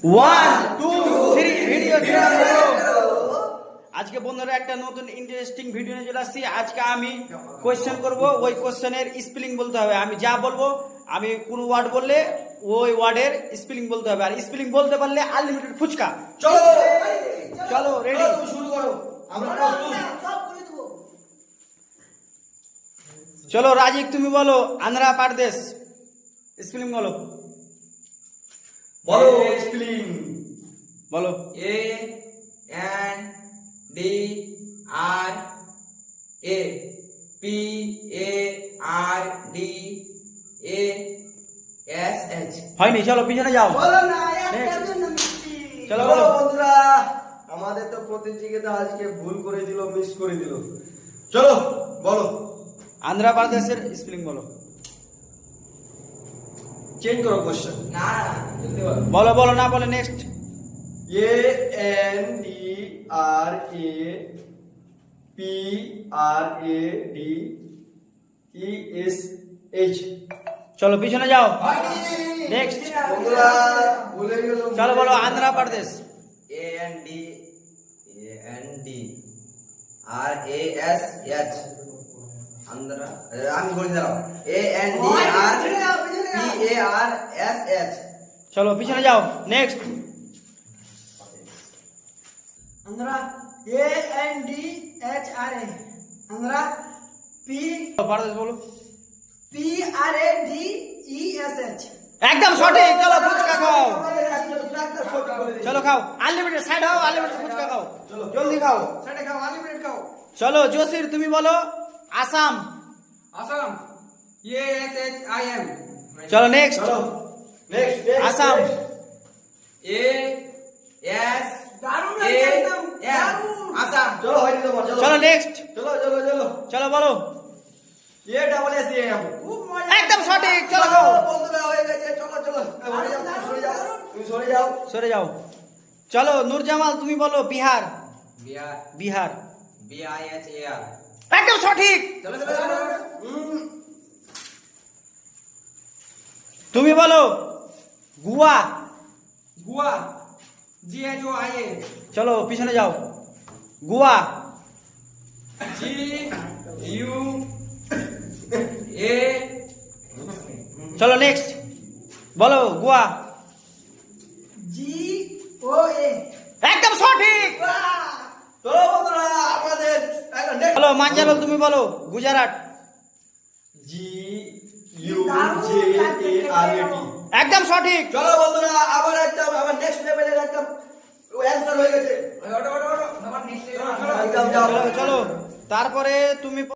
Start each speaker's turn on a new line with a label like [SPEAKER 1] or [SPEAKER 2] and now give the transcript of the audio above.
[SPEAKER 1] 1 2 3 video আজকে বন্ধুরা একটা নতুন ইন্টারেস্টিং ভিডিও নিয়ে চলে আসছি। আজকে আমি কোয়েশ্চেন করব, ওই কোয়েশ্চেনের স্পেলিং বলতে হবে। আমি যা বলবো, আমি কোন ওয়ার্ড বললে ওই ওয়ার্ডের স্পেলিং বলতে হবে, আর স্পেলিং বলতে পারলে আনলিমিটেড ফুচকা। চলো চলো রেডি, শুরু করো। আমরা চলো রাজিক, তুমি বলো আন্ধ্রা প্রদেশ স্পেলিং বলো।
[SPEAKER 2] বলো স্পেলিং
[SPEAKER 1] বলো।
[SPEAKER 2] A N D R A P A R D A S H.
[SPEAKER 1] হয়নি, চলো পিছনে যাও।
[SPEAKER 3] বলো না
[SPEAKER 1] Next.
[SPEAKER 3] চলো
[SPEAKER 1] চলো বলো।
[SPEAKER 3] বন্ধুরা, আমাদের তো প্রতিযোগিতা আজকে ভুল করে দিল, মিস করে দিল। চলো বলো,
[SPEAKER 1] আন্ধ্রা প্রদেশের স্পেলিং বলো।
[SPEAKER 3] চেঞ্জ করো কোশ্চেন।
[SPEAKER 2] না জলদি বলো।
[SPEAKER 1] বলো বলো, না বলে next.
[SPEAKER 3] A N D R A P R A D E S H.
[SPEAKER 1] চলো পিছনে যাও। Next.
[SPEAKER 3] বন্ধুরা ভুলে গেল।
[SPEAKER 1] চলো বলো Andhra Pradesh.
[SPEAKER 2] A N D R A S H Andhra. আমি বলে দিলাম A N D R P A R S H.
[SPEAKER 1] চলো পিছনে যাও। Next.
[SPEAKER 4] Andhra A N D H R A Andhra P
[SPEAKER 1] Pradesh বলো।
[SPEAKER 4] P R A D E S H
[SPEAKER 1] একদম সঠিক। চলো ফুচকা খাও, চলো খাও, আনলিমিটেড সাইড হও, আনলিমিটেড ফুচকা খাও, জলদি খাও।
[SPEAKER 4] साढ़े खाओ अनलिमिटेड खाओ
[SPEAKER 1] চলো জসির, তুমি বলো Assam.
[SPEAKER 2] Assam A S H I M.
[SPEAKER 1] চলো next.
[SPEAKER 3] Next
[SPEAKER 1] Assam.
[SPEAKER 2] A S
[SPEAKER 4] दारुण
[SPEAKER 2] এ
[SPEAKER 4] एकदम
[SPEAKER 2] এম
[SPEAKER 4] दारुण
[SPEAKER 2] আসাম।
[SPEAKER 3] চলো হয়নি তোমার, চলো
[SPEAKER 1] চলো নেক্সট।
[SPEAKER 3] চলো চলো চলো।
[SPEAKER 1] চলো বলো।
[SPEAKER 3] A double S A M.
[SPEAKER 4] खूब मजा
[SPEAKER 1] একদম সঠিক। চলো খাও,
[SPEAKER 3] বন্ধুরা হয়ে গেছে। চলো চলো, সরে যাও, সরে যাও, তুমি সরে যাও।
[SPEAKER 1] সরে যাও। চলো নূরজামাল, তুমি বলো Bihar.
[SPEAKER 2] Bihar
[SPEAKER 1] Bihar
[SPEAKER 2] B I H A R.
[SPEAKER 1] একদম সঠিক।
[SPEAKER 2] চলো চলো চলো।
[SPEAKER 1] তুমি বলো Goa.
[SPEAKER 2] Goa G H O I A.
[SPEAKER 1] চলো পিছনে যাও। গোয়া।
[SPEAKER 2] G U A.
[SPEAKER 1] চলো নেক্সট। বলো গোয়া।
[SPEAKER 4] जी ओ ए
[SPEAKER 1] একদম সঠিক।
[SPEAKER 3] চলো বন্ধুরা, আমাদের নেক্সট
[SPEAKER 1] বলো মাঞ্জারল, তুমি বলো Gujarat.
[SPEAKER 3] G U J A R A T.
[SPEAKER 1] একদম সঠিক।
[SPEAKER 3] চলো বন্ধুরা, আবার একদম আবার নেক্সট লেভেলের একদম অ্যানসার হয়ে গেছে।
[SPEAKER 2] ওটো ওটো ওটো আমার নেক্সট।
[SPEAKER 3] একদম যাও।
[SPEAKER 1] চলো চলো, তারপরে তুমি